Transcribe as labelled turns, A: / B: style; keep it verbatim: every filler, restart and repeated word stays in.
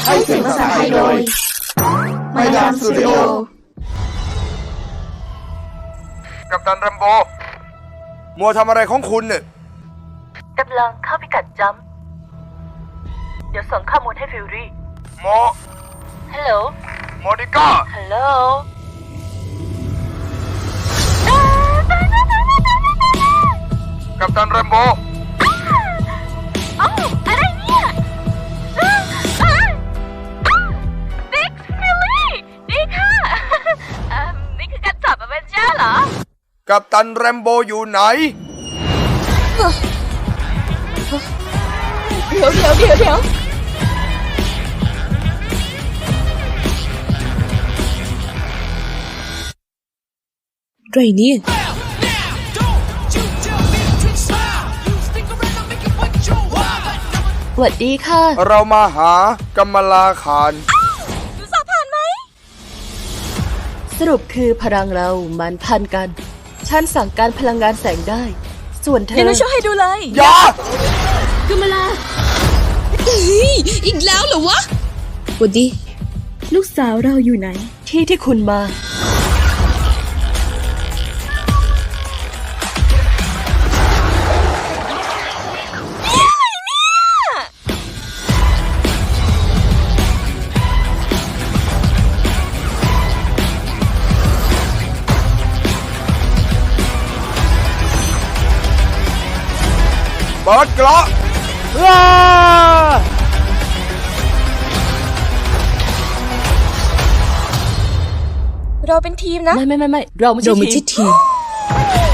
A: ให้เสียงภาษาไทยโดยมายามสตูดิโอ
B: กัปตันแรมโบมัวทำอะไรของคุณเนี่ย
C: กำลังเข้าพิกัดจัมป์เดี๋ยวส่งข้อมูลให้ฟิวรี่
B: โม
C: ฮัลโหล
B: โมนิก้า
C: ฮัลโหล
B: กัปตันแรมโบ
C: อ้าวอะไรเนี่ยบิ๊กฟิลลี่ดีค่ะนี่คือการจับอเวนเจอร์เหรอ
B: กัปตันแรมโบอยู่ไหน
A: เดี๋ยวเดี๋ยวเดี๋ยวเดี๋ยวไรนี่สวัสดีค่ะ
B: เรามาหากัมมาลาขาน
A: ดูสอบผ่านไหมสรุปคือพลังเรามันพันกันฉันสั่งการพลังงานแสงได้ส่วนเธอเดี๋ยวช่วยให้ดูเลย
B: อย่า
A: กัมมาลาเฮ้ยอีกแล้วเหรอวะสวัสดีลูกสาวเราอยู่ไหนที่ที่คุณมา
B: เปิดกระว้า
A: เราเป็นทีมนะไม่ไม่ไม่ไม่เราไม่ใช่ทีม